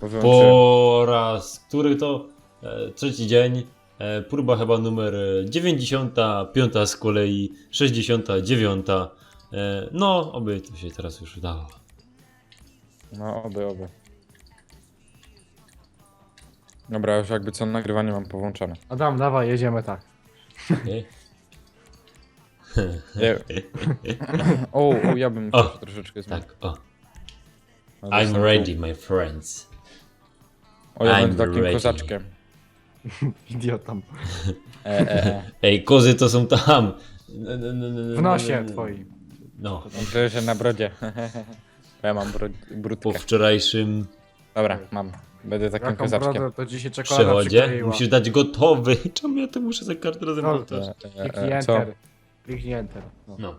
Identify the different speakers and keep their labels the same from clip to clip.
Speaker 1: wyłączyłem.
Speaker 2: Po raz, który to? Trzeci dzień. Próba chyba numer 95 z kolei, 69. No, oby to się teraz już udało.
Speaker 1: No, oby. Dobra, już jakby co nagrywanie mam połączone.
Speaker 3: Adam, dawaj, jedziemy tak.
Speaker 2: Okay.
Speaker 1: Nie. O, ja bym musiał
Speaker 2: O,
Speaker 1: się troszeczkę zmienić.
Speaker 2: Tak, o.
Speaker 1: No,
Speaker 2: I'm
Speaker 1: jestem
Speaker 2: ready, my friends.
Speaker 1: O, ja
Speaker 2: I'm
Speaker 1: będę takim
Speaker 2: ready.
Speaker 1: kozaczkiem.
Speaker 3: Idiotą.
Speaker 2: Ej, kozy to są tam.
Speaker 3: W nosie twoim.
Speaker 2: No,
Speaker 1: Myślę, że na brodzie. Ja mam brudkę.
Speaker 2: po wczorajszym
Speaker 1: Dobra, mam. Będę takim
Speaker 3: Jaką
Speaker 1: kozaczkiem.
Speaker 3: brodę, to dzisiaj czekolada
Speaker 2: przechodzie
Speaker 3: przykleiła.
Speaker 2: musisz dać gotowy. Czemu ja to muszę za każdym razem
Speaker 3: No,
Speaker 2: powtarzać?
Speaker 3: Kliknij
Speaker 1: Co?
Speaker 3: enter. Kliknij enter. No.
Speaker 2: No.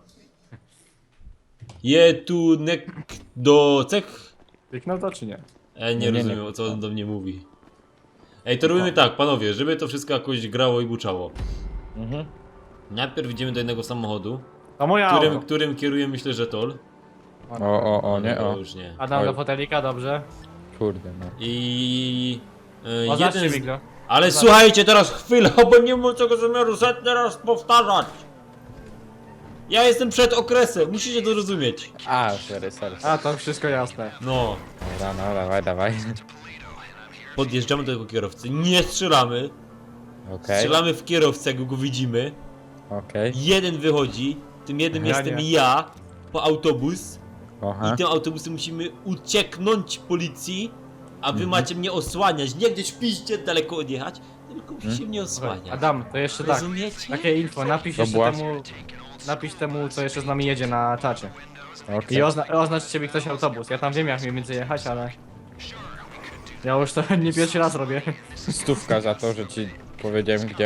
Speaker 2: Je tu nek do cech.
Speaker 3: Kliknął to czy nie?
Speaker 2: Nie
Speaker 1: Nie,
Speaker 2: rozumiem, o co on do mnie mówi. Ej, to robimy tak, panowie, żeby to wszystko jakoś grało i buczało.
Speaker 1: Mhm.
Speaker 2: Najpierw idziemy do jednego samochodu,
Speaker 3: To moja auto.
Speaker 2: którym kieruje, myślę, że Tol.
Speaker 1: O, nie,
Speaker 2: To
Speaker 1: o.
Speaker 2: już nie.
Speaker 3: Adam
Speaker 1: Oj.
Speaker 3: do fotelika, dobrze.
Speaker 1: Kurde, no.
Speaker 2: I...
Speaker 3: Oznaczcie
Speaker 2: jeden z...
Speaker 3: mi go.
Speaker 2: Ale słuchajcie teraz chwilę, bo nie mam tego zamiaru setny raz powtarzać. Ja jestem przed okresem, musicie to rozumieć.
Speaker 1: A, sorry.
Speaker 3: A, to wszystko jasne.
Speaker 2: No.
Speaker 1: Dobra, no, dawaj.
Speaker 2: Podjeżdżamy do tego kierowcy, nie strzelamy.
Speaker 1: Okej,
Speaker 2: Strzelamy w kierowcę, jak go widzimy.
Speaker 1: okej.
Speaker 2: Jeden wychodzi, tym jednym
Speaker 3: Ja
Speaker 2: jestem
Speaker 3: nie.
Speaker 2: ja, po autobus.
Speaker 1: Aha.
Speaker 2: I tym autobusem musimy ucieknąć policji, a wy
Speaker 1: Mhm.
Speaker 2: macie mnie osłaniać. Nie gdzieś piście daleko odjechać, tylko musicie mnie osłaniać.
Speaker 3: Adam, to jeszcze tak.
Speaker 2: Rozumiecie?
Speaker 3: Takie info, napisz
Speaker 1: To
Speaker 3: jeszcze
Speaker 1: była-
Speaker 3: temu... Napisz temu, co jeszcze z nami jedzie na czacie.
Speaker 1: Okej.
Speaker 3: I oznaczcie mi ktoś autobus. Ja tam wiem, jak mniej więcej jechać, ale... Ja już to nie pierwszy raz robię.
Speaker 1: Stówka za to, że ci powiedziałem gdzie.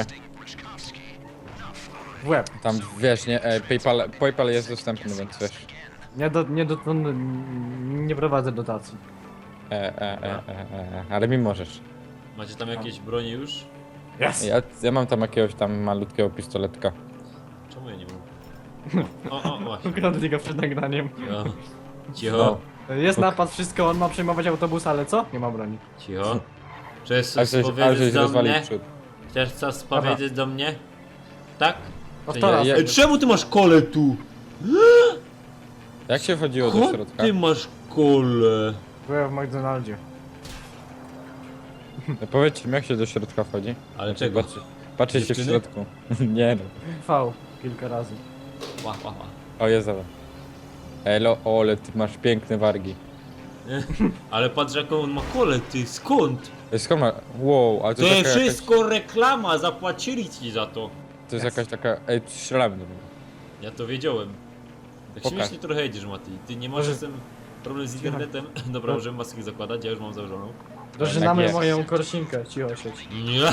Speaker 3: W łeb.
Speaker 1: Tam wiesz, nie, PayPal jest dostępny, więc wiesz.
Speaker 3: Nie prowadzę dotacji.
Speaker 1: Ale mi możesz.
Speaker 2: Macie tam jakieś bronie już?
Speaker 3: Yes!
Speaker 1: Ja mam tam jakiegoś tam malutkiego pistoletka.
Speaker 2: Czemu ja nie mam? O, właśnie.
Speaker 3: Ukradli go przed nagraniem.
Speaker 2: Cicho. Cicho.
Speaker 3: Jest napad, wszystko, on ma przejmować autobus, ale co? Nie ma broni.
Speaker 2: Cicho. Chcesz
Speaker 1: Ale
Speaker 2: coś
Speaker 1: żeś
Speaker 2: powiedzieć do
Speaker 1: rozwalił
Speaker 2: mnie?
Speaker 1: przód.
Speaker 2: Chcesz coś powiedzieć do mnie? Tak?
Speaker 3: No
Speaker 2: Czy
Speaker 3: to
Speaker 2: nie?
Speaker 3: raz.
Speaker 1: ja-
Speaker 2: Ej, czemu ty masz kole tu?
Speaker 1: Jak się wchodziło do
Speaker 2: Skąd
Speaker 1: środka?
Speaker 2: ty masz kole?
Speaker 3: Byłem w McDonaldzie.
Speaker 1: No powiedzcie mi, jak się do środka wchodzi?
Speaker 2: Ale czego?
Speaker 1: Patrzcie się w
Speaker 2: Dziewczyny?
Speaker 1: środku. Nie no.
Speaker 3: V kilka razy.
Speaker 2: Ła.
Speaker 1: O, jest dobra. Elo, ole, ty masz piękne wargi.
Speaker 2: Ale patrz jaką on ma kole, ty skąd?
Speaker 1: Ej, skąd ma... Wow, ale to,
Speaker 2: To
Speaker 1: jest
Speaker 2: jest
Speaker 1: taka
Speaker 2: wszystko reklama, zapłacili ci za to.
Speaker 1: to jest jakaś taka... Ej, strzelamy do niego.
Speaker 2: Ja to wiedziałem. Tak
Speaker 1: Pokaż.
Speaker 2: śmiesznie trochę jedziesz, Mati. Ty nie masz
Speaker 3: Może-
Speaker 2: z tym problem z internetem? Dobra, możemy maski zakładać, ja już mam założoną.
Speaker 3: Dożynamy
Speaker 1: jest.
Speaker 3: moją korsinkę, cicho siedź.
Speaker 2: Nie.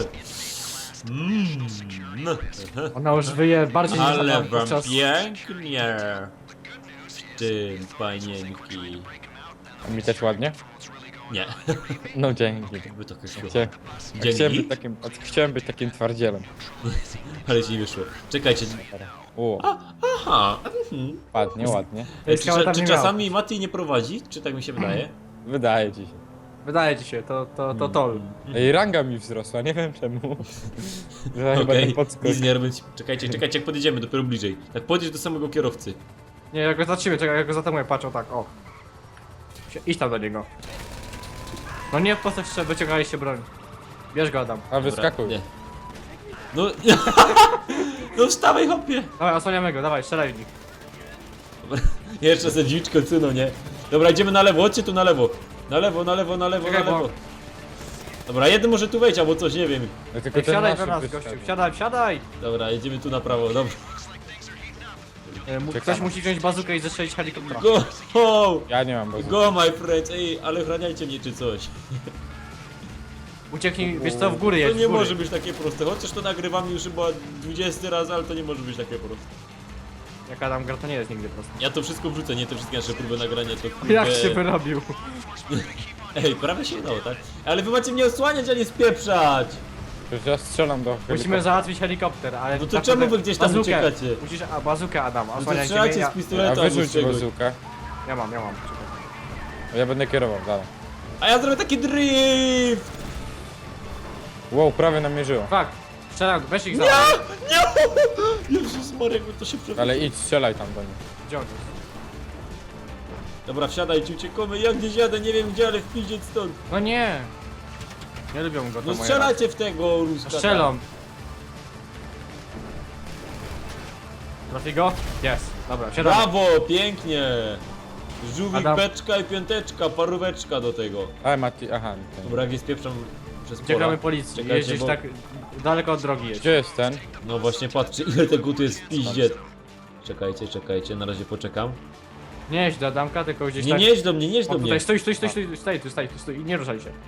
Speaker 2: No.
Speaker 3: Ona już wyje bardziej niż
Speaker 2: Ale
Speaker 3: Adam
Speaker 2: wam
Speaker 3: podczas...
Speaker 2: pięknie. W tym, panienki.
Speaker 1: A mi też ładnie?
Speaker 2: Nie.
Speaker 1: No dzięki.
Speaker 2: By to szło.
Speaker 1: Chciałem,
Speaker 2: Dzięki.
Speaker 1: chciałem być takim twardzielem.
Speaker 2: Ale ci nie wyszło. Czekajcie.
Speaker 1: O,
Speaker 2: Aha.
Speaker 1: ładnie, ładnie.
Speaker 3: Ej, skała tam
Speaker 2: Czy
Speaker 3: nie miała.
Speaker 2: czasami Mati nie prowadzi? Czy tak mi się wydaje?
Speaker 1: Wydaje ci się.
Speaker 3: Wydaje ci się, to tol.
Speaker 1: Ej, ranga mi wzrosła, nie wiem czemu. Że chyba
Speaker 2: Okej,
Speaker 1: ten podskok.
Speaker 2: nic nie robić. Czekajcie, jak podjedziemy, dopiero bliżej. Tak podjedź do samego kierowcy.
Speaker 3: Nie, jak go zatrzymuję, czekaj, jak go zatamuję, patrzą tak, o. Idź tam do niego. No nie, po co jeszcze wyciągaliście broń? Bierz go, Adam.
Speaker 1: A wyskakuj.
Speaker 2: Nie. No, no wstawaj, hopie.
Speaker 3: Dawaj, osłaniamy go, dawaj, strzelaj w nich.
Speaker 2: Jeszcze se dziczko cyno, nie? Dobra, idziemy na lewo, chodźcie tu na lewo. Na lewo.
Speaker 3: Czekaj, bo-
Speaker 2: Dobra, jeden może tu wejść, albo coś, nie wiem.
Speaker 1: No, tylko
Speaker 3: Ej,
Speaker 1: ten
Speaker 3: wsiadaj
Speaker 1: nasz
Speaker 3: do nas,
Speaker 1: wyskakuje.
Speaker 3: gościu, wsiadaj!
Speaker 2: Dobra, jedziemy tu na prawo, dobra.
Speaker 3: Ktoś
Speaker 1: Czekamy.
Speaker 3: musi wziąć bazukę i zestrzelić helikoptera.
Speaker 2: Go!
Speaker 1: Ja nie mam bazuki.
Speaker 2: Go, my friends, ej, ale ochraniajcie mnie czy coś.
Speaker 3: Ucieknij, wiesz co, w góry
Speaker 2: To
Speaker 3: jedź,
Speaker 2: nie
Speaker 3: w góry.
Speaker 2: może być takie proste, chociaż to nagrywam już chyba 20 raz, ale to nie może być takie proste.
Speaker 3: Jak Adam gra, to nie jest nigdy prosto.
Speaker 2: Ja to wszystko wrzucę, nie te wszystkie nasze próby nagrania, to
Speaker 3: Jak
Speaker 2: kurde-
Speaker 3: się wyrobił?
Speaker 2: Ej, prawie się udało, tak? Ale wy macie mnie osłaniać, a nie spieprzać!
Speaker 1: Przecież ja strzelam do
Speaker 3: Musimy
Speaker 1: helikoptera.
Speaker 3: załatwić helikopter, ale...
Speaker 2: No to
Speaker 3: tak
Speaker 2: czemu
Speaker 3: naprawdę-
Speaker 2: wy gdzieś tam
Speaker 3: bazukę.
Speaker 2: uciekacie?
Speaker 3: Musisz, bazukę, Adam,
Speaker 2: No to
Speaker 3: osłaniajcie mnie,
Speaker 2: strzelacie
Speaker 3: ja...
Speaker 2: z
Speaker 1: A
Speaker 2: pistoletu albo z
Speaker 1: wyrzuć
Speaker 2: czegoś.
Speaker 1: bazukę.
Speaker 3: Ja mam.
Speaker 1: Ja będę kierował dalej.
Speaker 2: A ja zrobię taki drift!
Speaker 1: Wow, prawie namierzyło.
Speaker 3: Fuck. Strzelam, weź ich za.
Speaker 2: Nie! Jezus Marek, to się przewróciło.
Speaker 1: Ale idź, strzelaj tam do nich.
Speaker 3: Gdzie on jest?
Speaker 2: Dobra, wsiadajcie, uciekamy. Ja gdzieś jadę, nie wiem gdzie, ale wpiździeć stąd.
Speaker 3: No nie. Nie lubią go to
Speaker 2: No
Speaker 3: moje
Speaker 2: strzelacie w tego Ruska.
Speaker 3: racje. Strzelam. Trafi go? Jest. Dobra, siadamy.
Speaker 2: Brawo, pięknie. Żółwik,
Speaker 3: Adam.
Speaker 2: beczka i piąteczka, paróweczka do tego.
Speaker 1: Ale Mati, aha. Ten.
Speaker 2: Dobra, jak je spieprzam przez
Speaker 3: Uciekamy
Speaker 2: pola.
Speaker 3: policji.
Speaker 2: Czekajcie,
Speaker 3: Jeździsz
Speaker 2: bo-
Speaker 3: tak daleko od drogi jeźdź.
Speaker 1: Gdzie jest ten?
Speaker 2: No właśnie, patrzcie ile tego tu jest w piździe. Czekajcie, czekajcie, na razie poczekam.
Speaker 3: Nie jeźdź do Adamka, tylko gdzieś
Speaker 2: Nie,
Speaker 3: tak...
Speaker 2: nie jedź do mnie, nie jedź
Speaker 3: O,
Speaker 2: do mnie.
Speaker 3: tutaj, stój i nie ruszaj się.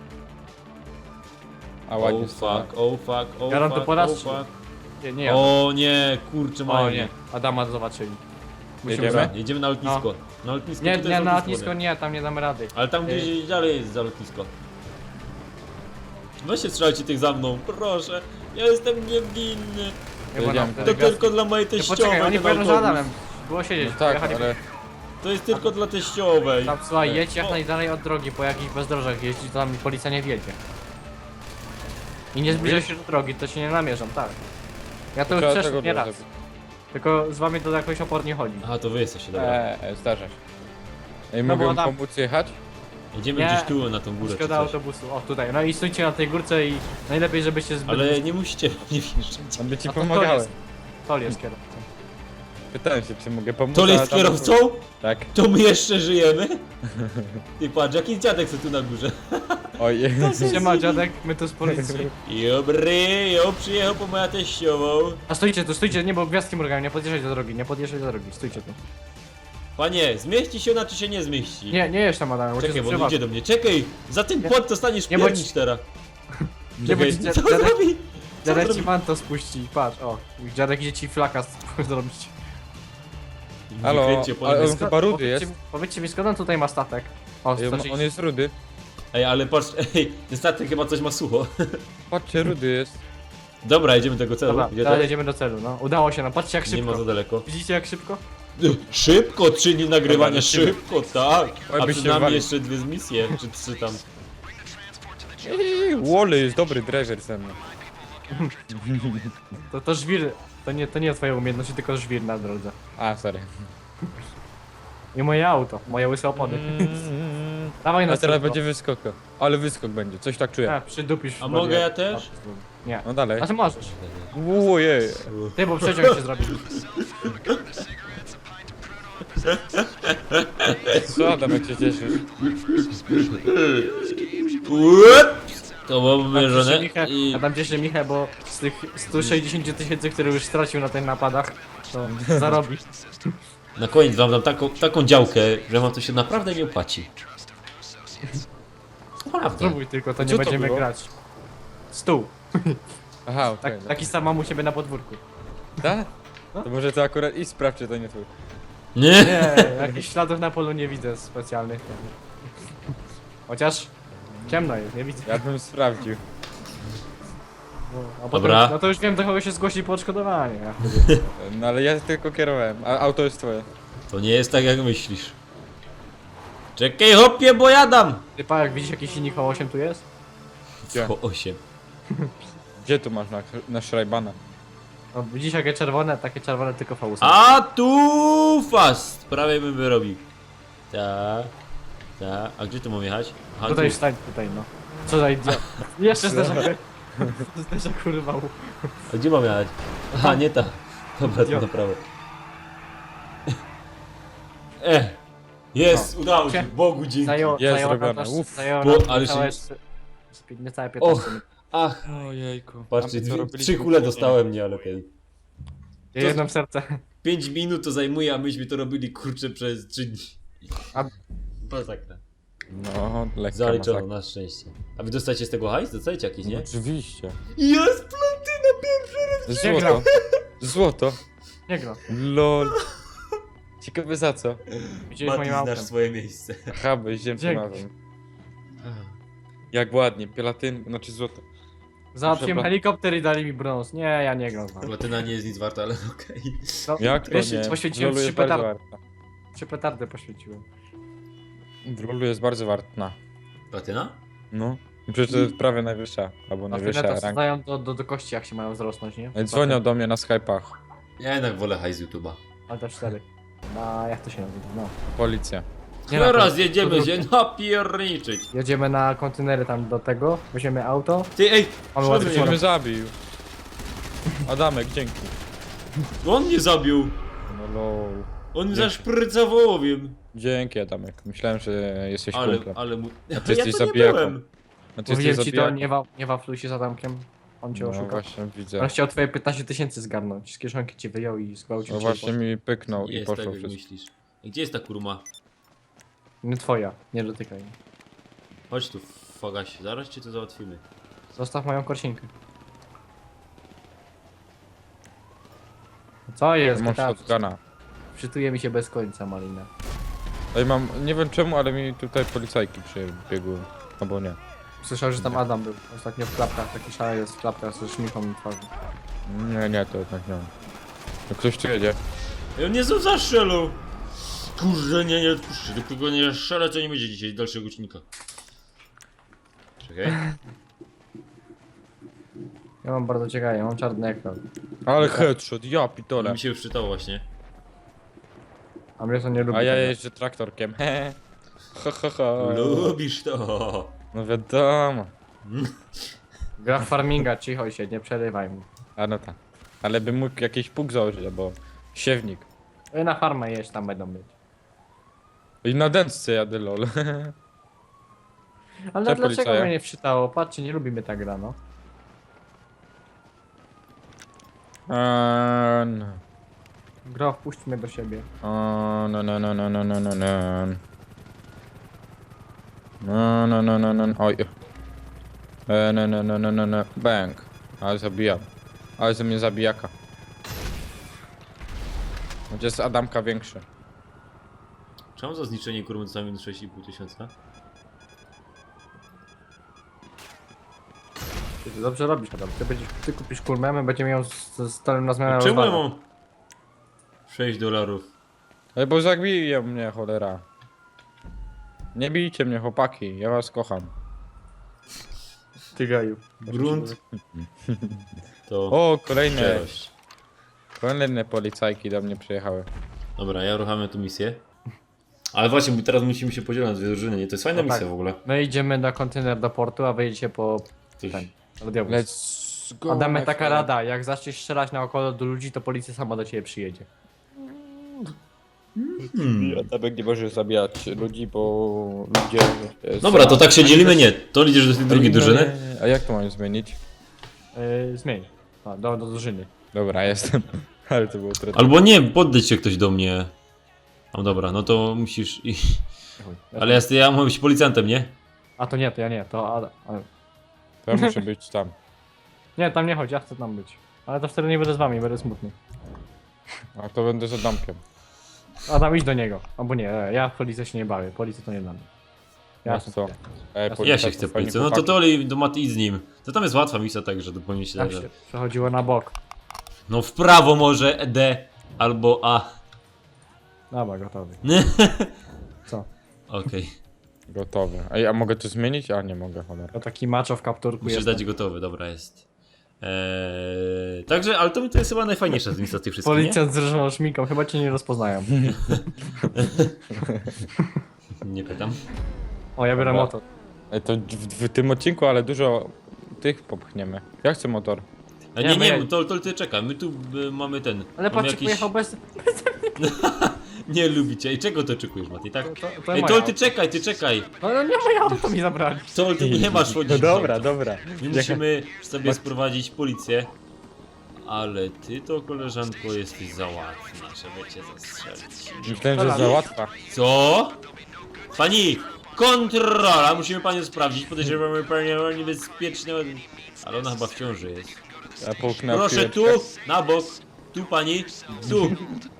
Speaker 1: A
Speaker 2: Oh
Speaker 1: ładnie
Speaker 2: fuck, oh fuck, oh
Speaker 3: Garan to
Speaker 2: fuck,
Speaker 3: po raz
Speaker 2: oh
Speaker 3: trzy.
Speaker 2: fuck.
Speaker 3: Nie, ja.
Speaker 2: O nie, kurczę,
Speaker 3: O
Speaker 2: mają
Speaker 3: nie,
Speaker 2: mnie.
Speaker 3: Adama zobaczyli. Musimy
Speaker 1: Jedziemy?
Speaker 3: za-
Speaker 2: Jedziemy na lotnisko. Na lotnisko
Speaker 3: Nie,
Speaker 2: tutaj
Speaker 3: nie,
Speaker 2: jest
Speaker 3: na lotnisko
Speaker 2: nie.
Speaker 3: nie, tam nie damy rady.
Speaker 2: Ale tam gdzieś dalej jest za lotnisko. Weźcie strzelajcie tych za mną, proszę. Ja jestem niewinny.
Speaker 3: Nie, bo
Speaker 1: Jedziemy.
Speaker 3: nam
Speaker 2: To tylko dla mojej
Speaker 3: Nie,
Speaker 2: teściowej
Speaker 3: poczekaj, oni
Speaker 2: ten
Speaker 3: pojadą za
Speaker 2: autobus.
Speaker 3: Adamem. Było siedzieć,
Speaker 1: No tak,
Speaker 3: pojechali-
Speaker 1: ale...
Speaker 2: To jest tylko dla teściowej.
Speaker 3: Tam, słuchaj, jedź jak
Speaker 2: O.
Speaker 3: najdalej od drogi, po jakichś bezdrożach jeździ, to tam policja nie wiedzie. I nie zbliżaj się do drogi, to się nie namierzam, tak. Ja to już
Speaker 1: Trzeba
Speaker 3: przeszedłem
Speaker 1: tego
Speaker 3: nie raz.
Speaker 1: zrobić.
Speaker 3: Tylko z wami to jakoś opornie chodzi.
Speaker 2: Aha, to wy jesteście, dobra.
Speaker 1: Zdarza się. Ej,
Speaker 3: No
Speaker 1: mogę
Speaker 3: bo
Speaker 1: mu
Speaker 3: tam-
Speaker 1: pomóc jechać?
Speaker 2: Jedziemy
Speaker 3: Nie.
Speaker 2: gdzieś tu na tą górę czy
Speaker 3: Szkoda
Speaker 2: coś.
Speaker 3: autobusu, o tutaj, no i stójcie na tej górce i najlepiej żebyście zbyt...
Speaker 2: Ale nie musicie nie wjeżdżać.
Speaker 1: On by ci
Speaker 3: A to
Speaker 1: pomagałem.
Speaker 3: Tol jest kierowcą.
Speaker 1: Pytałem się, czy mogę pomóc.
Speaker 2: To
Speaker 1: a
Speaker 2: jest
Speaker 1: tam-
Speaker 2: kierowcą?
Speaker 1: Tak.
Speaker 2: To my jeszcze żyjemy? Ty patrz, jaki dziadek co tu na górze.
Speaker 1: Oj.
Speaker 3: Siema dziadek, my tu z policji.
Speaker 2: Dobry, jo, przyjechał po moja teściową.
Speaker 3: A stójcie tu, stójcie, nie, bo gwiazdki mrugają, nie podjeżdżaj do drogi, nie podjeżdżaj do drogi, stójcie tu.
Speaker 2: Panie, zmieści się ona czy się nie zmieści?
Speaker 3: Nie jedź tam Adam, bo cię
Speaker 2: Czekaj, bo on
Speaker 3: przeważę.
Speaker 2: idzie do mnie. Czekaj, za ten
Speaker 3: Nie.
Speaker 2: płot to staniesz
Speaker 3: Nie bądź-
Speaker 2: piernicz teraz.
Speaker 3: Nie
Speaker 2: Czekaj,
Speaker 3: bądź
Speaker 2: co
Speaker 3: dziadek,
Speaker 2: zrobi? Co
Speaker 3: dziadek ci
Speaker 2: zrobi?
Speaker 3: manto spuści, patrz, o. Dziadek idzie ci flaka zrobić.
Speaker 1: Halo,
Speaker 2: Wykręcie po
Speaker 1: ale on
Speaker 2: niebiesko.
Speaker 1: chyba rudy jest.
Speaker 3: Powiedzcie mi, skąd on tutaj ma statek? O,
Speaker 1: Ej,
Speaker 3: znaczy,
Speaker 1: on jest rudy.
Speaker 2: Ej, ale patrz, ej, ten statek chyba coś ma sucho.
Speaker 1: Patrzcie, rudy jest.
Speaker 2: Dobra, jedziemy do tego celu.
Speaker 3: Dobra,
Speaker 2: Gdzie
Speaker 3: teraz
Speaker 2: to?
Speaker 3: jedziemy do celu, no. Udało się nam, patrzcie jak
Speaker 2: Nie ma
Speaker 3: szybko.
Speaker 2: za daleko.
Speaker 3: Widzicie jak szybko?
Speaker 2: Szybko, 3 dni nagrywania,
Speaker 1: Dobra, lecimy.
Speaker 2: szybko, tak.
Speaker 1: Oj,
Speaker 2: A
Speaker 1: by się
Speaker 2: przed nami
Speaker 1: walił.
Speaker 2: jeszcze 2 misje, czy 3 tam.
Speaker 1: Wally jest dobry treasure ze mną.
Speaker 3: To żwir, to nie twoje umiejętności, tylko żwir na drodze.
Speaker 1: A, sorry.
Speaker 3: I moje auto, moje łyse opony. Dawaj na
Speaker 1: A teraz
Speaker 3: szybko.
Speaker 1: będzie wyskok. Ale wyskok będzie, coś tak czuję.
Speaker 3: A, przydupisz.
Speaker 2: A mogę ja też?
Speaker 3: Nie.
Speaker 1: No dalej.
Speaker 3: A ty możesz.
Speaker 1: Ojej.
Speaker 3: Ty, bo przeciąg się zrobi.
Speaker 1: Co Adam, jak się cieszysz?
Speaker 2: To było wymierzone i...
Speaker 3: A tam cieszy Michał, bo z tych 160 000, które już stracił na tych napadach, to zarobi.
Speaker 2: Na koniec wam dam taką działkę, że wam to się naprawdę nie opłaci. Naprawdę.
Speaker 3: Spróbuj tylko, to
Speaker 1: A
Speaker 3: nie
Speaker 1: co to
Speaker 3: będziemy
Speaker 1: było?
Speaker 3: grać. Stół.
Speaker 1: Aha, okej.
Speaker 3: Tak, taki sam mam u siebie na podwórku.
Speaker 1: Tak?
Speaker 3: No.
Speaker 1: To może to akurat i sprawdź, czy to nie twój.
Speaker 2: Nie?
Speaker 3: Nie, jakichś śladów na polu nie widzę specjalnych. Chociaż ciemno jest, nie widzę.
Speaker 1: Ja bym sprawdził.
Speaker 3: A potem,
Speaker 2: Dobra.
Speaker 3: no to już wiem, do kogo się zgłosi po odszkodowanie.
Speaker 1: No ale ja tylko kierowałem, a auto jest twoje.
Speaker 2: To nie jest tak jak myślisz. Czekaj hopie, bo jadam!
Speaker 3: Ty pa, jak widzisz jakiś silnik V8 tu jest?
Speaker 1: Gdzie?
Speaker 2: Po 8.
Speaker 1: Gdzie tu masz na Schreibana?
Speaker 3: No, widzisz jakie czerwone? Takie czerwone tylko V8.
Speaker 2: A tu fast! Prawie bym wyrobił. Tak. Tak. A gdzie tu mam jechać? Aha,
Speaker 3: Tutaj
Speaker 2: tu.
Speaker 3: wstań, tutaj no. Co za idiot. Jeszcze zderzak. Zderzak urwał.
Speaker 2: A gdzie mam jechać? Aha, nie ta. Dobra, to
Speaker 3: Jo.
Speaker 2: na prawo. Jest, udało się. Bogu dzięki.
Speaker 3: Zajęło
Speaker 1: Jest
Speaker 3: nam
Speaker 1: zrobione,
Speaker 3: też-
Speaker 1: uff.
Speaker 3: zajęło
Speaker 2: Bo-
Speaker 3: nam
Speaker 2: ale
Speaker 3: niecałe,
Speaker 2: się-
Speaker 3: niecałe 15 minut.
Speaker 2: Ach,
Speaker 1: Ojejku.
Speaker 2: patrzcie,
Speaker 1: A my co
Speaker 2: 3
Speaker 1: robiliśmy
Speaker 2: kule
Speaker 1: wcześniej?
Speaker 2: dostałem, nie, ale okej.
Speaker 3: Ja jedno w serce.
Speaker 2: 5 minut to zajmuje, a myśmy to robili kurczę przez 3 dni.
Speaker 3: A-
Speaker 2: Masakra.
Speaker 1: No, lekka
Speaker 2: Zaliczono,
Speaker 1: masakra.
Speaker 2: na szczęście. A wy dostajecie z tego hajs? Dostajecie jakiś, nie?
Speaker 1: Oczywiście.
Speaker 2: Jest platyna pierwszy raz!
Speaker 1: Złoto. Złoto.
Speaker 3: Nie gra.
Speaker 1: LOL. Ciekawe za co?
Speaker 3: Widziałeś
Speaker 2: Mati,
Speaker 3: moim autem.
Speaker 2: znasz swoje miejsce.
Speaker 1: Aha, bo jeździłem
Speaker 3: Dzięki.
Speaker 1: razem. Jak ładnie, platyn, znaczy złoto.
Speaker 3: Załatwiłem
Speaker 1: Dobra.
Speaker 3: helikopter i dali mi brąz. Nie, ja nie gram z wami.
Speaker 2: Platyna nie jest nic warta, ale okej.
Speaker 3: No,
Speaker 1: Jak to
Speaker 3: wiesz,
Speaker 1: nie?
Speaker 3: poświęciłem
Speaker 1: W LoLu
Speaker 3: 3
Speaker 1: jest bardzo
Speaker 3: petardy.
Speaker 1: warta.
Speaker 3: 3 petardy poświęciłem.
Speaker 1: W LoLu jest bardzo wartna.
Speaker 2: Platyna?
Speaker 1: No. Przecież to jest prawie najwyższa, albo najwyższa
Speaker 3: Martyna to
Speaker 1: ranka.
Speaker 3: znają do kości, jak się mają wzrosnąć, nie?
Speaker 1: Dzwonią do mnie na Skype'ach.
Speaker 2: Ja jednak wolę hajs z YouTube'a.
Speaker 3: Ale 4. No, jak to się nazywa? No.
Speaker 1: Policja.
Speaker 3: Nie
Speaker 2: Teraz
Speaker 3: na-
Speaker 2: jedziemy się napierniczyć.
Speaker 3: Jedziemy na kontenery tam do tego, weźmiemy auto.
Speaker 2: Ty, ej,
Speaker 3: Mamy
Speaker 2: co
Speaker 3: ładny
Speaker 2: mnie-
Speaker 1: Ktoś mnie zabił. Adamek, dzięki.
Speaker 2: on mnie zabił.
Speaker 1: No lol.
Speaker 2: On mnie
Speaker 1: Dzięki.
Speaker 2: zaszprycał ołowiem.
Speaker 1: Dzięki Adamek. Myślałem, że jesteś
Speaker 2: Ale,
Speaker 1: kumplem.
Speaker 2: ale mu...
Speaker 1: A ty
Speaker 2: ja
Speaker 1: jesteś
Speaker 2: to nie
Speaker 1: zabijaką.
Speaker 2: byłem.
Speaker 1: A ty
Speaker 3: Mówiłem
Speaker 1: jesteś
Speaker 3: ci to,
Speaker 1: zabijaką.
Speaker 3: nie wafluj się z Adamkiem. On cię
Speaker 1: No
Speaker 3: oszukał.
Speaker 1: właśnie, widzę.
Speaker 3: On chciał twoje 15 tysięcy zgarnąć. Z kieszonki ci wyjął i zgwałcił
Speaker 1: No
Speaker 3: cię.
Speaker 1: właśnie mi pyknął i
Speaker 2: Jest
Speaker 1: poszło
Speaker 2: tak, jak
Speaker 1: wszystko.
Speaker 2: myślisz. Gdzie jest ta kurma?
Speaker 3: Nie twoja, nie dotykaj.
Speaker 2: Chodź tu, Fagaś, zaraz cię to załatwimy.
Speaker 3: Zostaw moją korsinkę. Co jest?
Speaker 1: Mam
Speaker 3: GTA?
Speaker 1: shotguna.
Speaker 3: Przytuje mi się bez końca, Malina.
Speaker 1: Ej, mam, nie wiem czemu, ale mi tutaj policajki przybiegły. Albo nie.
Speaker 3: Słyszałem, że tam Adam był. Ostatnio w klapkach, taki szary jest w klapkach ze szminką na twarzy.
Speaker 1: Nie, to jednak nie. No ktoś tu jedzie.
Speaker 2: Ej, on nie znów zastrzelał! Kurde, nie odpuszczę, dopóki nie strzelę, to nie będzie dzisiaj dalszego odcinka. Czekaj.
Speaker 3: Ja mam bardzo ciekawe, ja mam czarny ekran.
Speaker 1: Ale headshot, ja pitole.
Speaker 2: Mi się już czytało właśnie.
Speaker 3: A mnie to nie lubi.
Speaker 1: A ja
Speaker 3: tego.
Speaker 1: jeżdżę traktorkiem. Hehe. Ha, ha, ha.
Speaker 2: Lubisz to!
Speaker 1: No wiadomo.
Speaker 3: Gra w farminga, cicho się, nie przerywaj mu.
Speaker 1: A no tak. Ale bym mógł jakiś pług założyć, albo siewnik.
Speaker 3: Na farmę jeść, tam będą być.
Speaker 1: I na dętce jadę lol.
Speaker 3: Ale
Speaker 1: Cześć,
Speaker 3: dlaczego
Speaker 1: policaja.
Speaker 3: mnie nie wczytało? Patrzcie, nie lubimy ta gra, no.
Speaker 1: No.
Speaker 3: Gro, wpuść mnie do siebie.
Speaker 1: No. No. Oj. No. Bang. Ale zabijam. Ale ze mnie zabijaka. Gdzie jest Adamka większy?
Speaker 2: Czemu za zniszczenie kurmy dostałem 6,5 tysiąca?
Speaker 3: Ty dobrze robisz, Adam. Ty kupisz kulmę, my będziemy ją z stolem na zmianę
Speaker 2: Czemu ja
Speaker 3: rozwalać.
Speaker 2: mam 6 dolarów?
Speaker 1: Ale bo zabiją mnie, cholera. Nie bijcie mnie, chłopaki. Ja was kocham.
Speaker 3: Ty gaju.
Speaker 2: Grunt to
Speaker 1: O, kolejne.
Speaker 2: szczerość.
Speaker 1: Kolejne policajki do mnie przyjechały.
Speaker 2: Dobra, ja ruchamy tu misję. Ale właśnie, bo teraz musimy się podzielić na dwie drużyny, nie? To jest fajna
Speaker 3: No tak.
Speaker 2: misja w ogóle.
Speaker 3: My idziemy na kontener do portu, a wyjedziecie po
Speaker 2: Coś...
Speaker 3: ten. Radiowóz.
Speaker 1: Let's go.
Speaker 3: Adamy,
Speaker 1: my
Speaker 3: taka
Speaker 1: friend.
Speaker 3: rada, jak zaczniesz strzelać naokoło do ludzi, to policja sama do ciebie przyjedzie.
Speaker 1: Adamek nie może zabijać ludzi, bo ludzie...
Speaker 2: Dobra, to tak się dzielimy? Nie. To idziesz do tej drugiej drużyny?
Speaker 1: A jak to mam zmienić?
Speaker 3: Zmień. A, do drużyny.
Speaker 1: Dobra, jestem. Ale to było trudne.
Speaker 2: Albo nie, poddać się ktoś do mnie. No dobra, no to musisz iść. Ale ja mam być policjantem, nie?
Speaker 3: A to nie, to ja nie, to Adam.
Speaker 1: To ja muszę być tam.
Speaker 3: Nie, tam nie chodź, ja chcę tam być. Ale to wtedy nie będę z wami, będę smutny.
Speaker 1: A to będę z Adamkiem.
Speaker 3: Adam, idź do niego. Albo nie, ja w policję się nie bawię, policję to nie dla mnie. Ja
Speaker 1: No
Speaker 3: chcę
Speaker 1: co?
Speaker 2: Ja
Speaker 1: policja
Speaker 2: się
Speaker 1: to
Speaker 2: chcę
Speaker 1: fajni
Speaker 2: policję. No to
Speaker 1: chłopaki.
Speaker 2: to Oli do Maty idź z nim. To tam jest łatwa misja, także to powinien się
Speaker 3: Tak
Speaker 2: dać.
Speaker 3: się przechodziło na bok.
Speaker 2: No w prawo może D albo A.
Speaker 3: Dobra, gotowy. Co?
Speaker 2: Okej.
Speaker 1: Gotowe. Ej, a mogę to zmienić? A nie mogę, cholera.
Speaker 3: To taki macho w kapturku
Speaker 2: Musisz
Speaker 3: jest.
Speaker 2: dać gotowy, dobra jest. Także, ale to jest chyba najfajniejsza z misja z tych wszystkich, nie?
Speaker 3: Policjant z różną szminką, chyba cię nie rozpoznają.
Speaker 2: Nie pytam.
Speaker 3: O, ja biorę
Speaker 1: Dobra.
Speaker 3: motor.
Speaker 1: Ej, to w tym odcinku, ale dużo tych popchniemy. Ja chcę motor.
Speaker 2: A
Speaker 3: Nie,
Speaker 2: nie,
Speaker 3: my-
Speaker 2: to ty czekaj, my tu mamy ten.
Speaker 3: Ale
Speaker 2: mamy
Speaker 3: patrz, pojechał bez...
Speaker 2: Nie lubicie. I czego to oczekujesz, Mati, tak?
Speaker 3: To
Speaker 2: Ej,
Speaker 3: moje
Speaker 2: Tol,
Speaker 3: auto.
Speaker 2: ty czekaj.
Speaker 3: No nie moje auto mi zabrali.
Speaker 2: Tol, ty nie masz chodzić.
Speaker 1: dobra.
Speaker 2: My musimy sobie sprowadzić policję. Ale ty to, koleżanko, jesteś za łatwa, żeby cię zastrzelić.
Speaker 1: Myślałem, że za łatwa.
Speaker 2: Co? Pani! Kontrola! Musimy panią sprawdzić. Podejrzewamy panią niebezpieczne. Ale ona chyba w ciąży jest.
Speaker 1: Ja połknę
Speaker 2: Proszę tu,
Speaker 1: piłeczkę.
Speaker 2: na bok. Tu pani, tu.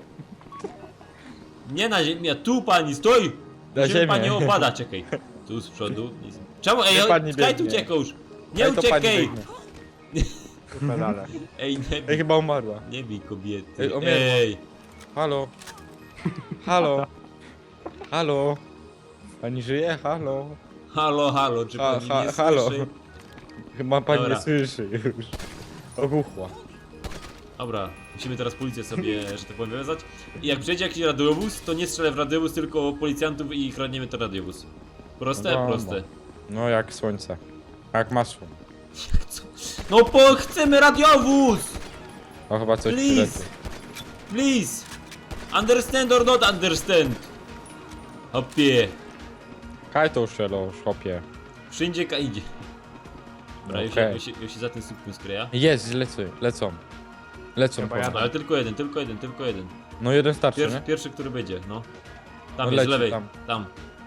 Speaker 2: Nie na ziemię, tu pani, stój!
Speaker 1: Na
Speaker 2: Musimy
Speaker 1: ziemię.
Speaker 2: pani opada, czekaj. Tu z przodu. Czemu? Ej,
Speaker 1: Nie, pani
Speaker 2: skaj tu
Speaker 1: biegnie.
Speaker 2: uciekasz! Nie
Speaker 1: Ej, to pani
Speaker 2: uciekaj!
Speaker 1: biegnie.
Speaker 3: Pedale.
Speaker 2: Ej, nie
Speaker 1: Ej,
Speaker 2: bij,
Speaker 1: chyba umarła.
Speaker 2: nie bij kobiety.
Speaker 1: Ej, umiera.
Speaker 2: Ej,
Speaker 1: Halo. Halo. Halo. Pani żyje? Halo.
Speaker 2: Halo, halo, czy pani nie
Speaker 1: halo.
Speaker 2: słyszy?
Speaker 1: Chyba pani
Speaker 2: Dobra.
Speaker 1: nie słyszy już. Ogłuchła.
Speaker 2: Dobra, musimy teraz policję sobie, że tak powiem, wywiązać. I jak przyjedzie jakiś radiowóz, to nie strzelę w radiowóz, tylko policjantów i kradniemy ten radiowóz. Proste?
Speaker 1: No,
Speaker 2: Proste.
Speaker 1: No jak słońce. Jak masło.
Speaker 2: Co? No chcemy radiowóz!
Speaker 1: O chyba coś
Speaker 2: Please!
Speaker 1: przyleci.
Speaker 2: Please! Understand or not understand? Hopie.
Speaker 1: Kaj to szelo, szopie.
Speaker 2: Wszędzie idzie. Dobra,
Speaker 1: Okej.
Speaker 2: już się za ten słupkiem skryja.
Speaker 1: Jest, lecą. Lecą
Speaker 3: Chyba
Speaker 1: po
Speaker 3: jadę.
Speaker 1: mnie.
Speaker 2: Ale tylko jeden, tylko jeden, tylko jeden.
Speaker 1: No jeden starczy, nie?
Speaker 2: Pierwszy, który będzie, no. Tam
Speaker 1: No
Speaker 2: jest, z
Speaker 1: leci
Speaker 2: lewej,
Speaker 1: tam.
Speaker 2: tam.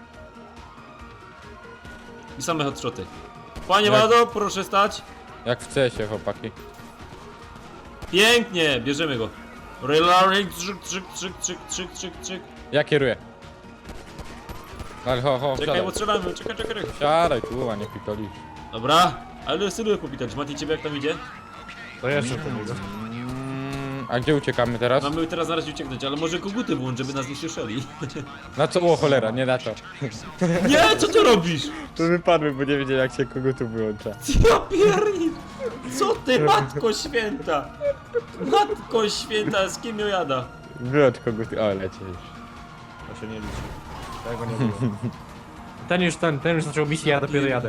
Speaker 2: I same hotshoty. Panie
Speaker 1: Jak-
Speaker 2: Wado, proszę stać.
Speaker 1: Jak w CS-ie, chłopaki.
Speaker 2: Pięknie, bierzemy go. Reloading, trzyk, trzyk, trzyk, trzyk, trzyk, trzyk, trzyk.
Speaker 1: Ja kieruję. Ale ho,
Speaker 2: Czekaj,
Speaker 1: siadaj.
Speaker 2: bo strzelamy, czekaj.
Speaker 1: Siadaj tu, a nie pitolisz.
Speaker 2: Dobra, ale syluję popitać. Mati, ciebie jak tam idzie?
Speaker 3: To jeszcze do niego.
Speaker 1: A gdzie uciekamy teraz?
Speaker 2: Mamy teraz na razie ucieknąć, ale może koguty włącz, żeby nas nie słyszeli.
Speaker 1: Na co? O cholera, nie na to.
Speaker 2: Nie, co ty robisz?
Speaker 1: To wypadły, bo nie wiedzieli jak się kogo tu wyłącza.
Speaker 2: Ja pierni! Co ty, matko święta? Matko święta, z kim ją jada?
Speaker 1: Wyłącz kogo ty. O, leci już.
Speaker 3: To się nie liczy. Tego nie było. Ten już zaczął misję, ja dopiero jadę.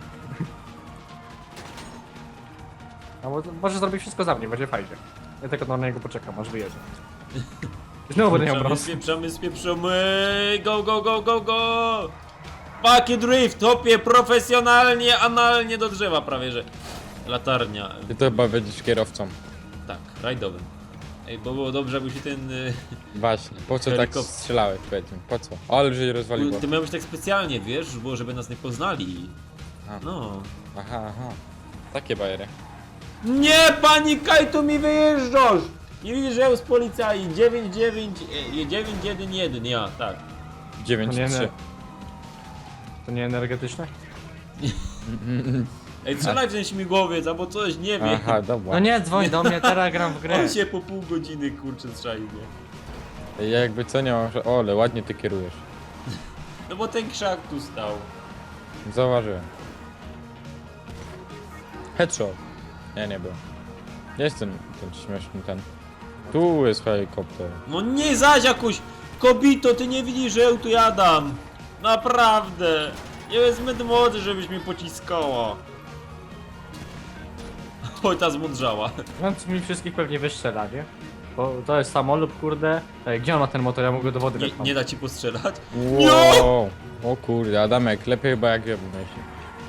Speaker 3: A może zrobić wszystko za mnie, będzie fajnie. Ja tylko na niego poczekam, aż wyjedzie. Znowu będę miał brąz.
Speaker 2: Spieprzamy, go, go, go, go, go! Paki drift, topie profesjonalnie, analnie do drzewa prawie, że. Latarnia,
Speaker 1: Ty to chyba będziesz kierowcą.
Speaker 2: tak, rajdowym. Ej, bo było dobrze, jakby się ten...
Speaker 1: Właśnie. Po co tak
Speaker 2: Helikopter.
Speaker 1: strzelałeś, powiedz mi? Po co? Ale że je rozwaliło.
Speaker 2: Ty miałeś tak specjalnie, wiesz, było, żeby nas nie poznali.
Speaker 1: A.
Speaker 2: No.
Speaker 1: Aha. Takie bajery.
Speaker 2: Nie, pani Kajtu, mi wyjeżdżasz! Nie widzisz, że ja z policji 911, ja, tak.
Speaker 1: 9-3.
Speaker 3: To nie energetyczne?
Speaker 2: Ej, strzelaj w ten śmigłowiec, albo coś, nie wiem.
Speaker 1: Aha, dobra.
Speaker 3: No nie, dzwoń do mnie, teraz gram w grę.
Speaker 2: On się po pół godziny, kurczę, strzeli, nie?
Speaker 1: Ja jakby co nie mam, że... O, ale ładnie ty kierujesz.
Speaker 2: No bo ten krzak tu stał.
Speaker 1: Zauważyłem. Headshot. Nie był. Jest ten śmieszny ten. Tu jest helikopter.
Speaker 2: No nie zaś jakoś, kobito, ty nie widzisz, że ja tu jadam. Naprawdę. Nie jest zbyt młody, żebyś mnie pociskała. Oj, ta zmądrzała.
Speaker 3: Więc mi wszystkich pewnie wystrzela, nie? Bo to jest samolub, kurde. Ej, gdzie on ma ten motor? Ja mogę do wody
Speaker 2: Nie,
Speaker 3: wepchnąć.
Speaker 2: nie da ci postrzelać?
Speaker 1: Wow. O kurde, Adamek, lepiej chyba jak ja bym myślał.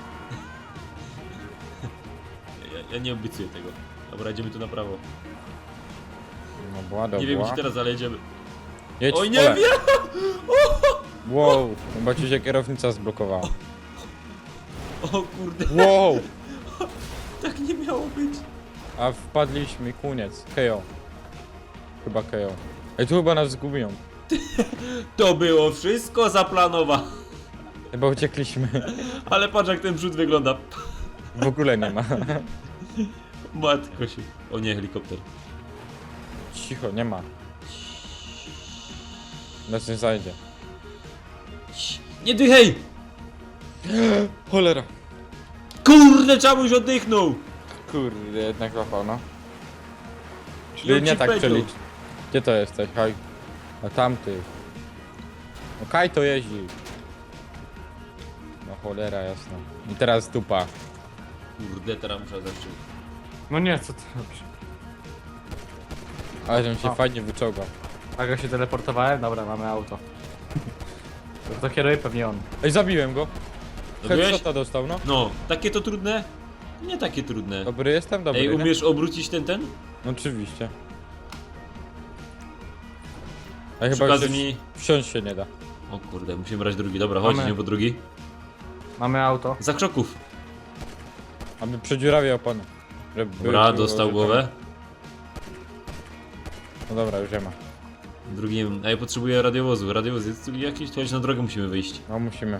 Speaker 2: Ja nie obiecuję tego. Dobra, idziemy tu na prawo.
Speaker 1: No była dobra.
Speaker 2: Nie wiem gdzie teraz, ale jedziemy.
Speaker 1: Jedź
Speaker 2: Oj,
Speaker 1: w
Speaker 2: nie
Speaker 1: pole.
Speaker 2: wiem!
Speaker 1: Wow, chyba ci się kierownica zblokowała.
Speaker 2: O kurde,
Speaker 1: Wow,
Speaker 2: tak nie miało być.
Speaker 1: a wpadliśmy, koniec. KO. Chyba KO. Ej, tu chyba nas zgubią.
Speaker 2: To było wszystko zaplanowane.
Speaker 1: Chyba uciekliśmy.
Speaker 2: Ale patrz jak ten przód wygląda.
Speaker 1: W ogóle nie ma.
Speaker 2: Matko się. O nie, helikopter.
Speaker 1: Cicho, nie ma. Nas nie zajdzie.
Speaker 2: Nie dychaj!
Speaker 1: Cholera.
Speaker 2: Kurde, czamuś oddychnął!
Speaker 1: Kurde, jednak łapał, no.
Speaker 2: I
Speaker 1: Czyli
Speaker 2: on
Speaker 1: nie
Speaker 2: ci
Speaker 1: tak
Speaker 2: powiedział.
Speaker 1: przelicz. Gdzie to jesteś? Haj. A tamty. No Kaj to jeździ. No cholera jasna. I teraz dupa.
Speaker 2: Kurde, teraz muszę zacząć.
Speaker 3: No nie, co ty robisz?
Speaker 1: Ale żebym się
Speaker 3: O.
Speaker 1: fajnie wyczołgał.
Speaker 3: Tak, ja się teleportowałem? Dobra, mamy auto. To kieruje pewnie on.
Speaker 1: Ej, zabiłem go.
Speaker 2: Zabiłeś?
Speaker 1: Headshota dostał, no.
Speaker 2: No, takie to trudne? Nie takie trudne.
Speaker 1: Dobry jestem? Dobry,
Speaker 2: Ej,
Speaker 1: nie?
Speaker 2: umiesz obrócić ten?
Speaker 1: No oczywiście. A
Speaker 2: Przy
Speaker 1: chyba
Speaker 2: okazji
Speaker 1: wsiąść,
Speaker 2: mi...
Speaker 1: wsiąść się nie da.
Speaker 2: O kurde, musimy brać drugi. Dobra, chodź,
Speaker 3: Mamy.
Speaker 2: idziemy po drugi.
Speaker 3: Mamy auto.
Speaker 2: Za krzoków.
Speaker 1: Aby przedziurawię opony. Żeby
Speaker 2: Dobra,
Speaker 1: było,
Speaker 2: dostał
Speaker 1: że-
Speaker 2: głowę.
Speaker 1: No dobra, już nie ma.
Speaker 2: Drugim... A ja potrzebuję radiowozu. Radiowoz jest tu jakiś? To chodź na drogę musimy wyjść.
Speaker 1: No musimy.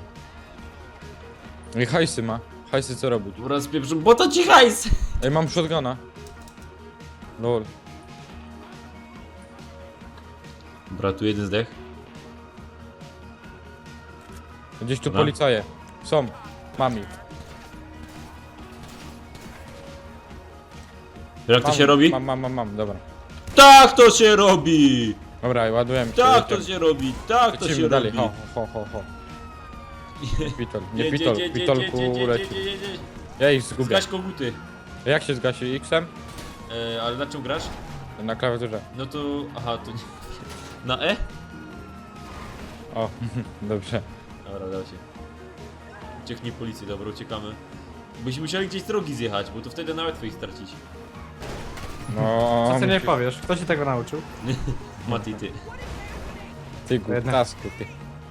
Speaker 1: I hajsy ma. Hajsy co robić?
Speaker 2: Dobra, spieprzę, bo to ci hajs!
Speaker 1: Ej, mam shotguna. Lol.
Speaker 2: Dobra, tu jeden zdech.
Speaker 1: Gdzieś tu
Speaker 2: Dobra.
Speaker 1: policaje. Są. Mam ich.
Speaker 2: Jak to
Speaker 1: Mam,
Speaker 2: się robi?
Speaker 1: Mam, dobra.
Speaker 2: Tak to się robi!
Speaker 1: Dobra, ładujemy.
Speaker 2: Tak to się robi, tak to
Speaker 1: Lecimy
Speaker 2: się
Speaker 1: dalej.
Speaker 2: robi.
Speaker 1: Ho. Pitol, nie pitol, pitolku leci. Ja ich zgubię.
Speaker 2: Zgaś koguty.
Speaker 1: Jak się zgasi? X-em?
Speaker 2: Ale na czym grasz?
Speaker 1: Na klawiaturze.
Speaker 2: No to... Aha, to nie... Na E?
Speaker 1: O, dobrze.
Speaker 2: Dobra, udało się. Ucieknij policji, dobra, uciekamy. Byśmy musieli gdzieś z drogi zjechać, bo to wtedy nawet ich stracić.
Speaker 1: No,
Speaker 3: Co ty nie
Speaker 1: musisz-
Speaker 3: powiesz? Kto ci tego nauczył?
Speaker 2: Mati, ty.
Speaker 1: Ty głuptasku, ty.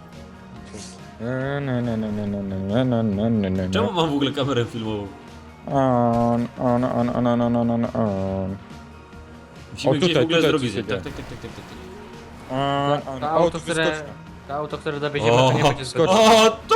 Speaker 2: Czemu mam w ogóle kamerę filmową?
Speaker 1: On.
Speaker 2: Musimy
Speaker 1: O,
Speaker 2: gdzieś
Speaker 1: tutaj,
Speaker 2: w ogóle z
Speaker 1: tutaj
Speaker 2: drogi
Speaker 1: coś
Speaker 2: zjechać.
Speaker 1: się
Speaker 2: Tak, tak, tak, tak, tak, tak.
Speaker 3: To
Speaker 1: O,
Speaker 3: auto,
Speaker 1: tu
Speaker 3: które...
Speaker 1: wyskocznia.
Speaker 3: To auto, które dowieziemy, to nie będzie zbyt...
Speaker 1: skocz.
Speaker 2: O, to!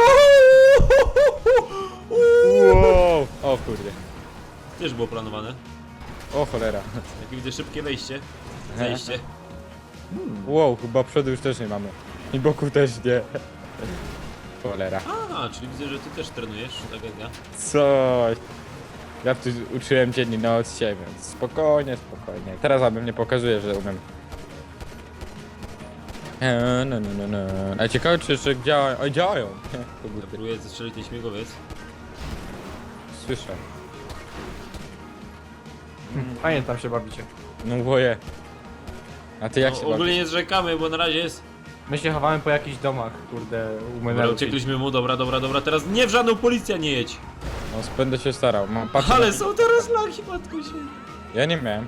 Speaker 1: Wow. O kurde.
Speaker 2: Też było planowane.
Speaker 1: O cholera.
Speaker 2: Jak widzę szybkie wejście. Zejście.
Speaker 1: Wow, chyba przodu już też nie mamy. I boku też nie. Cholera.
Speaker 2: A, czyli widzę, że ty też trenujesz, tak jak ja.
Speaker 1: Coś. Ja tu uczyłem dzień i noc dzisiaj, więc spokojnie. Teraz abym nie pokazuje, że umiem. No. A ciekawe czy jeszcze działają. Oj, działają. Koguty.
Speaker 2: Próbuję zestrzelić ten śmigłowiec.
Speaker 1: Słyszę.
Speaker 3: Fajnie tam się bawicie.
Speaker 1: No boję. A ty jak
Speaker 2: No,
Speaker 1: się
Speaker 2: ogólnie
Speaker 1: bawisz?
Speaker 2: nie zrzekamy, bo na razie jest...
Speaker 3: My się chowamy po jakichś domach, kurde, u
Speaker 2: Dobra,
Speaker 3: menelu.
Speaker 2: uciekliśmy mu, dobra, teraz nie w żadną policję nie jedź.
Speaker 1: No będę się starał. Mam patrzę
Speaker 2: Ale
Speaker 1: na-
Speaker 2: są teraz laki, matko się.
Speaker 1: Ja nie miałem.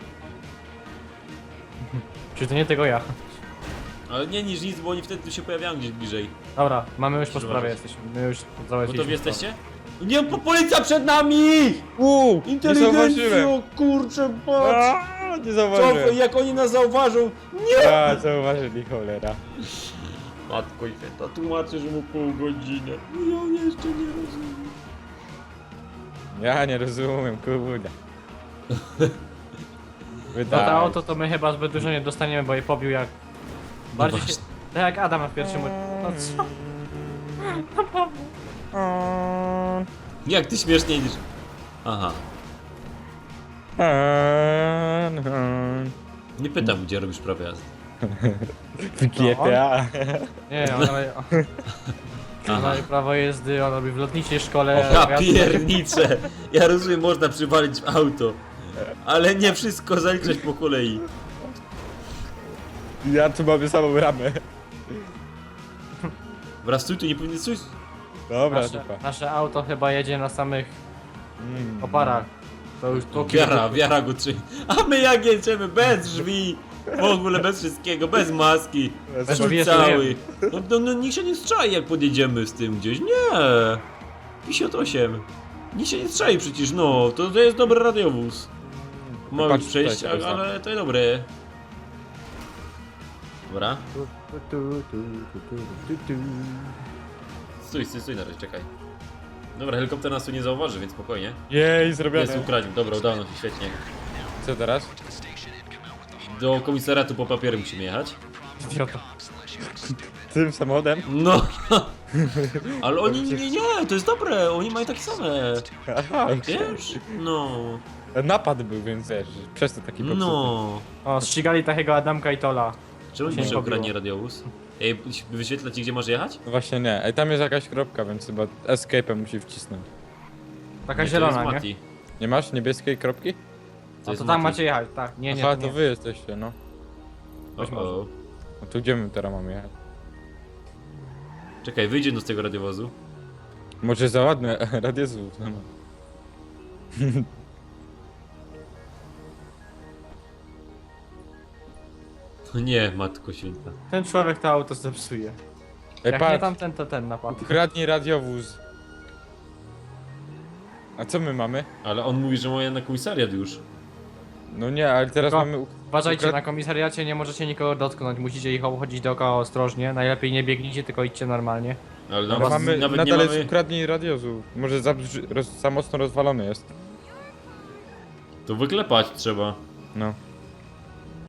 Speaker 3: Czy to nie tego ja?
Speaker 2: Ale nie niż nic, bo oni wtedy tu się pojawiają gdzieś bliżej.
Speaker 3: Dobra, mamy już po
Speaker 2: Proszę
Speaker 3: sprawie
Speaker 2: bardzo.
Speaker 3: jesteśmy. My już załatwiliśmy
Speaker 2: Gotowi
Speaker 3: sprawę.
Speaker 2: jesteście? Nie, policja przed nami!
Speaker 1: Nie zauważyłem.
Speaker 2: kurczę, patrz!
Speaker 1: Nie
Speaker 2: Co,
Speaker 1: zauważyłem.
Speaker 2: jak oni nas zauważą? Nie!
Speaker 1: A, zauważyli, cholera.
Speaker 2: Matko i święta, tłumaczę, że mu pół godziny. Ja jeszcze nie rozumiem.
Speaker 1: Ja nie rozumiem, kurde.
Speaker 3: Za
Speaker 1: Wydaje.
Speaker 3: to auto to my chyba zbyt dużo nie dostaniemy, bo je pobił jak... Bardziej się...
Speaker 2: właśnie.
Speaker 3: Tak jak Adam w pierwszym... No co?
Speaker 2: Jak ty śmieszniej niż... Aha. Nie pytam, gdzie robisz prawo jazdy.
Speaker 1: W GTA.
Speaker 3: Nie, on ma prawo jezdy, on robi w lotniczej szkole...
Speaker 2: Ja
Speaker 3: jazdy-
Speaker 2: pierniczę! Ja rozumiem, można przywalić w auto. Ale nie wszystko zaliczać po kolei.
Speaker 1: Ja tu mamy samą ramę.
Speaker 2: Wraz tu nie powinien coś.
Speaker 1: Dobra,
Speaker 3: Nasze,
Speaker 1: dupa.
Speaker 3: nasze auto chyba jedzie na samych oparach. To już to
Speaker 2: Wiara go trzyma. A my jak jedziemy? Bez drzwi! W ogóle bez wszystkiego, bez maski.
Speaker 3: Bez
Speaker 2: Szut
Speaker 3: drzwi
Speaker 2: cały. No nikt się nie strzai jak podjedziemy z tym gdzieś. Nie! 58. Nikt się nie strzai przecież, no. To jest dobry radiowóz. Mały
Speaker 1: Patrz
Speaker 2: przejść,
Speaker 1: tutaj, teraz,
Speaker 2: ale to jest dobre. Dobra. Stój na razie, czekaj. Dobra, helikopter nas tu nie zauważy, więc spokojnie.
Speaker 1: Jej, zrobione.
Speaker 2: Jest ukradził, dobra, udało nam się, świetnie.
Speaker 1: Co teraz?
Speaker 2: Do komisariatu po papiery musimy jechać.
Speaker 3: Idiota.
Speaker 1: Tym samochodem?
Speaker 2: No! Ale oni, nie, to jest dobre, oni mają takie same.
Speaker 1: Aha,
Speaker 2: Wiesz? No.
Speaker 1: napad był, więc wiesz, przez to taki popsuty.
Speaker 2: No.
Speaker 3: O, ścigali takiego Adamka i Tola.
Speaker 2: Czemu
Speaker 3: Się
Speaker 2: mi
Speaker 3: nie
Speaker 2: się
Speaker 3: pobiło.
Speaker 2: ukradnie radiowóz? Ej, wyświetla ci, gdzie masz jechać?
Speaker 1: No właśnie nie. Ej, tam jest jakaś kropka, więc chyba escape'em musi wcisnąć.
Speaker 3: Taka
Speaker 2: Nie,
Speaker 3: zielona,
Speaker 2: to jest
Speaker 3: nie?
Speaker 2: Mati.
Speaker 1: Nie masz niebieskiej kropki?
Speaker 3: A
Speaker 2: jest
Speaker 3: to tam
Speaker 2: Mati.
Speaker 3: macie jechać, tak. Nie, nie,
Speaker 1: Aha,
Speaker 3: to
Speaker 1: to
Speaker 3: nie.
Speaker 1: wy jesteście, no.
Speaker 3: Być
Speaker 2: O,
Speaker 3: może.
Speaker 2: o.
Speaker 1: No to gdzie my teraz mamy jechać?
Speaker 2: Czekaj, wyjdzie no z tego radiowozu.
Speaker 1: Może za ładne radiowóz, no.
Speaker 2: No nie, matko święta.
Speaker 3: Ten człowiek to auto zepsuje.
Speaker 1: Ej,
Speaker 3: Jak nie
Speaker 1: patrz,
Speaker 3: tamten, to ten napadł.
Speaker 1: ukradnij radiowóz. A co my mamy?
Speaker 2: Ale on mówi, że ma na komisariat już.
Speaker 1: No nie, ale teraz
Speaker 3: Tylko
Speaker 1: mamy...
Speaker 3: Uważajcie, na komisariacie nie możecie nikogo dotknąć, musicie ich obchodzić dookoła ostrożnie. Najlepiej nie biegnijcie, tylko idźcie normalnie.
Speaker 2: Ale
Speaker 1: Ale
Speaker 2: nawet,
Speaker 1: mamy,
Speaker 2: nawet nie
Speaker 1: nadal jest
Speaker 2: mamy...
Speaker 1: ukradnij radiowóz. Może za mocno rozwalony jest.
Speaker 2: To wyklepać trzeba.
Speaker 1: No.